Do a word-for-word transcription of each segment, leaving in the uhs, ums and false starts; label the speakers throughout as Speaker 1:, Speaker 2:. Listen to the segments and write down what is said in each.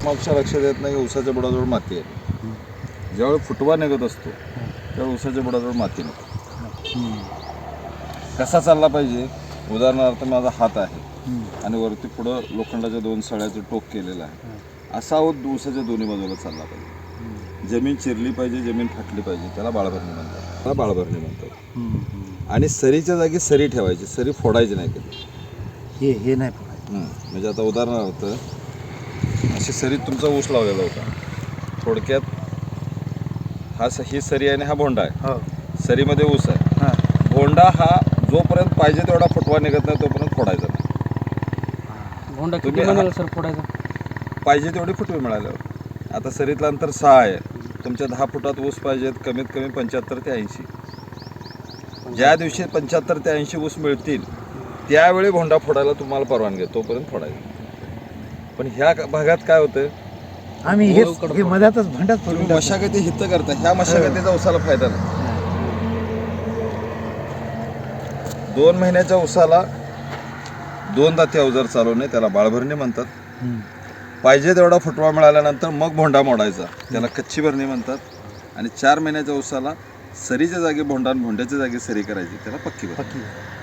Speaker 1: मागच्या लक्षात येत नाही की ऊसाच्या बुडाजवळ माती आहे. ज्यावेळी फुटवा निघत असतो त्यावेळी ऊसाच्या बुडाजवळ माती नसते. कसा चालला पाहिजे, उदाहरणार्थ माझा हात आहे आणि वरती पुढं लोखंडाच्या दोन सळ्याचं टोक केलेलं आहे, असा ऊसाच्या दोन्ही बाजूला चालला पाहिजे. जमीन चिरली पाहिजे, जमीन फाटली पाहिजे, त्याला बाळभरणी म्हणतात. त्याला बाळभरणी म्हणतात. आणि सरीच्या जागी सरी ठेवायची, सरी फोडायची नाही कधी.
Speaker 2: हे हे नाही फोडायचं.
Speaker 1: म्हणजे आता उदाहरणार्थ अशी सरीत तुमचा ऊस लावलेला होता, थोडक्यात हा ही सरी आहे आणि हा भोंडा आहे. सरीमध्ये ऊस आहे. भोंडा हा जोपर्यंत पाहिजे तेवढा फुटवा निघत नाही तोपर्यंत फोडायचा नाही.
Speaker 3: भोंडा किती महिन्याला सर फोडायचा?
Speaker 1: पाहिजे तेवढे फुटवे मिळाल्यावर. आता सरीतलं अंतर सहा आहे, तुमच्या दहा फुटात ऊस पाहिजेत कमीत कमी पंच्याहत्तर ते ऐंशी. ज्या दिवशी पंच्याहत्तर ते ऐंशी ऊस मिळतील त्यावेळी भोंडा फोडायला तुम्हाला परवानगी आहे, तोपर्यंत फोडायचं. पण ह्या भागात काय होतं,
Speaker 2: आम्ही हे मधातच भांडात
Speaker 1: तुम्ही मशागती हित करता, ह्या मशागतीचा ऊसाला फायदा नाही. दोन महिन्याच्या ऊसाला दोन दाती अवजार चालवणे त्याला बाळभरणी म्हणतात. पाहिजे तेवढा फुटवा मिळाल्यानंतर मग भोंडा मोडायचा, त्याला कच्ची भरणी म्हणतात. आणि चार महिन्याच्या ऊसाला सरीच्या जागी भोंडा आणि भोंड्याच्या जागी सरी करायची, त्याला पक्की भरणी.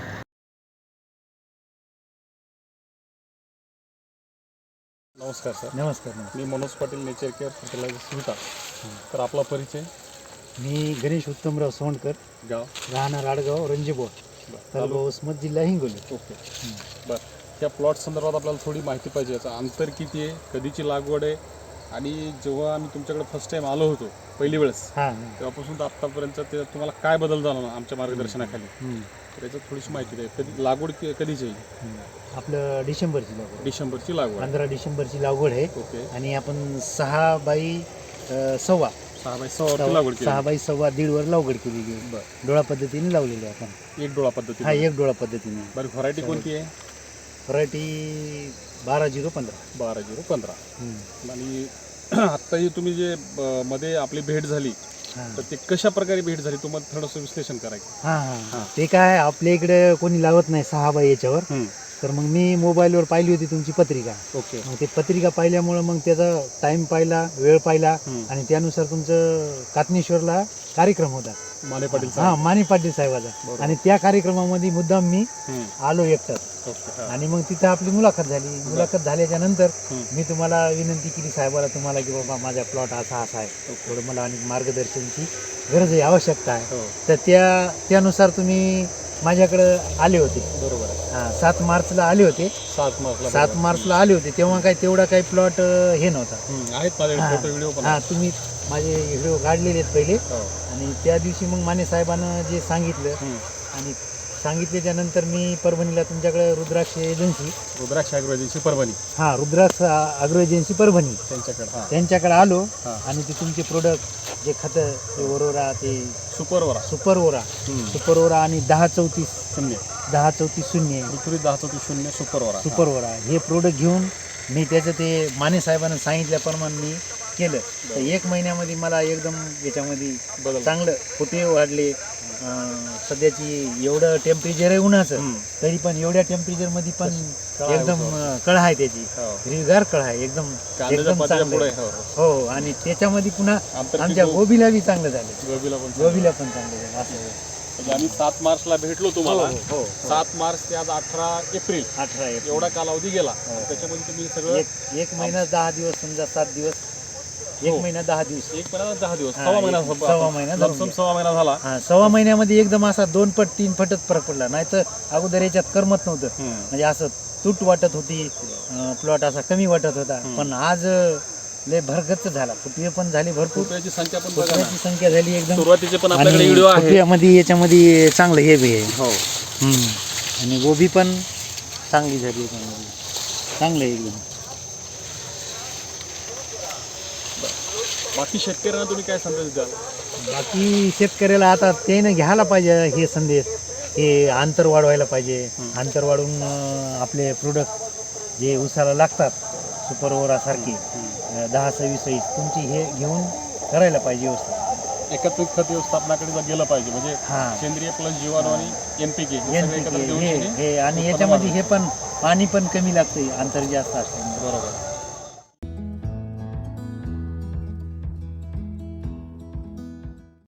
Speaker 3: नमस्कार सर.
Speaker 2: नमस्कार.
Speaker 3: मी Manoj Patil, nature care fertiliser सुविधा. तर आपला परिचय?
Speaker 2: मी गणेश उत्तमराव सोंडकर,
Speaker 3: गाव
Speaker 2: राहणार आडगाव, रंजीबोर, तालुका उस्मत, जिल्हा हिंगोली.
Speaker 3: ओके. बरं, त्या प्लॉट संदर्भात आपल्याला थोडी माहिती पाहिजे. याचं अंतर किती आहे, कधीची लागवड आहे, आणि जेव्हा आम्ही तुमच्याकडे फर्स्ट टाइम आलो होतो पहिली वेळेस
Speaker 2: हां
Speaker 3: तेव्हापासून तर आत्तापर्यंत ते तुम्हाला काय बदल झाला ना आमच्या मार्गदर्शनाखाली, त्याच्यात थोडीशी माहिती द्या. कधी लागवड कधीची आहे?
Speaker 2: आपलं डिसेंबरची लागवड.
Speaker 3: डिसेंबरची लागवड,
Speaker 2: पंधरा डिसेंबरची लागवड आहे.
Speaker 3: ओके.
Speaker 2: आणि आपण सहा बाई अ, सव्वा
Speaker 3: सहा बाय सहा लागवड केली.
Speaker 2: सहा बाई सव्वा दीड वर लागवड केलेली.
Speaker 3: बरं,
Speaker 2: डोळा पद्धतीने लावलेली आहे आपण.
Speaker 3: एक डोळा पद्धती.
Speaker 2: हा, एक डोळा पद्धतीने.
Speaker 3: बरं, व्हरायटी कोणती आहे?
Speaker 2: व्हरायटी बारा झिरो पंधरा.
Speaker 3: बारा झिरो पंधरा. आणि आत्ताही तुम्ही जे अ, मध्ये आपली भेट झाली तर ते कशा प्रकारे भेट झाली, तुम्हाला थोडंसं विश्लेषण करायचं.
Speaker 2: हां हां ते काय आपल्या इकडे कोणी लावत नाही सहा बाई याच्यावर. तर मग मी मोबाईलवर पाहिली होती तुमची पत्रिका.
Speaker 3: ओके.
Speaker 2: मग ते पत्रिका पाहिल्यामुळं मग त्याचा टाइम पाहिला, वेळ पाहिला, आणि त्यानुसार तुमचं कातनेश्वरला कार्यक्रम होता
Speaker 3: माने पाटील
Speaker 2: हा माने पाटील साहेबाचा. आणि त्या कार्यक्रमामध्ये मुद्दाम मी आलो एकटाच. आणि मग तिथं आपली मुलाखत झाली. मुलाखत झाल्याच्या नंतर मी तुम्हाला विनंती केली साहेबाला, तुम्हाला की बाबा माझा प्लॉट असा असा आहे, थोडं मला आणि मार्गदर्शनची गरज आहे, आवश्यकता आहे. तर त्या त्यानुसार तुम्ही माझ्याकडं आले होते. बरोबर आहे. हां, सात मार्चला आले होते.
Speaker 3: सात मार्चला
Speaker 2: सात मार्चला आले होते. तेव्हा काय तेवढा काही प्लॉट हे नव्हता.
Speaker 3: आहेत माझ्याकडे फोटो व्हिडिओ पण.
Speaker 2: हां, तुम्ही माझे व्हिडिओ काढलेले आहेत पहिले. आणि त्या दिवशी मग माने साहेबांनं जे सांगितलं, आणि सांगितल्याच्या नंतर मी परभणीला तुमच्याकडे Rudraksh agency
Speaker 3: Rudraksh agro agency Parbhani,
Speaker 2: हां रुद्राक्ष ॲग्रो एजन्सी परभणी
Speaker 3: त्यांच्याकडे
Speaker 2: त्यांच्याकडे आलो. आणि ते तुमचे प्रोडक्ट जे खतं, ते ओरोरा, ते
Speaker 3: super aura
Speaker 2: super aura super aura आणि दहा चौतीस
Speaker 3: शून्य
Speaker 2: दहा चौतीस शून्य
Speaker 3: पृथ्वी दहा चौतीस शून्य सुपर ओरा
Speaker 2: सुपर ओरा हे प्रोडक्ट घेऊन मी त्याचं ते माने साहेबांना सांगितल्याप्रमाणे मी केलं. तर एक महिन्यामध्ये मला एकदम याच्यामध्ये चांगलं फुटे वाढले. सध्याची एवढं टेम्परेचर आहे उन्हाचं, तरी पण एवढ्या टेम्परेचरमध्ये पण एकदम कळ आहे त्याची, हिरवीगार कळ आहे एकदम एकदम चांगलं. हो, आणि त्याच्यामध्ये पुन्हा आमच्या गोबीला बी चांगलं झालं. गोबीला पण गोबीला पण चांगलं झालं. असं
Speaker 3: आम्ही सात मार्चला भेटलो तुम्हाला.
Speaker 2: हो,
Speaker 3: सात मार्च ते आज अठरा एप्रिल
Speaker 2: अठरा एप्रिल
Speaker 3: एवढा कालावधी गेला. त्याच्यामध्ये तुम्ही सगळं
Speaker 2: एक एक महिना दहा दिवस समजा, सात दिवस, एक महिना दहा दिवस,
Speaker 3: एक महिना दहा दिवस, सव्वा महिना
Speaker 2: सव्वा महिना
Speaker 3: सव्वा महिना झाला.
Speaker 2: हा, सव्वा महिन्यामध्ये एकदम असा दोन पट तीन पटच फरक पडला. नाही तर अगोदर याच्यात करमत नव्हतं. म्हणजे असं तूट वाटत होती, प्लॉट असा कमी वाटत होता. पण आज लय भरगच्च झाला. फुटवे पण झाली भरपूर,
Speaker 3: फुटव्याची संख्या पण
Speaker 2: फुटव्याची संख्या झाली एकदम.
Speaker 3: सुरुवातीचे पण आपल्याकडे व्हिडिओ आहे.
Speaker 2: फुटव्यामध्ये याच्यामध्ये चांगलं हे बी आहे.
Speaker 3: हो,
Speaker 2: आणि गोबी पण चांगली झाली याच्यामध्ये, चांगलं आहे एकदम.
Speaker 3: बाकी शेतकऱ्यांना तुम्ही काय संदेश द्याल?
Speaker 2: बाकी शेतकऱ्याला आता त्यानं घ्यायला पाहिजे हे संदेश, हे अंतर वाढवायला पाहिजे. अंतर वाढवून आपले प्रोडक्ट जे उसाला लागतात, सुपर ओरासारखे दहा सव्वीस सव्वीस तुमची हे घेऊन करायला पाहिजे व्यवस्था.
Speaker 3: एकत्रित खत व्यवस्थापनाकडे गेलं पाहिजे. म्हणजे सेंद्रिय प्लस जीवाणू आणि एनपीके
Speaker 2: हे आणि याच्यामध्ये हे पण पाणी पण कमी लागते अंतर जास्त असल्यामुळे.
Speaker 3: बरोबर.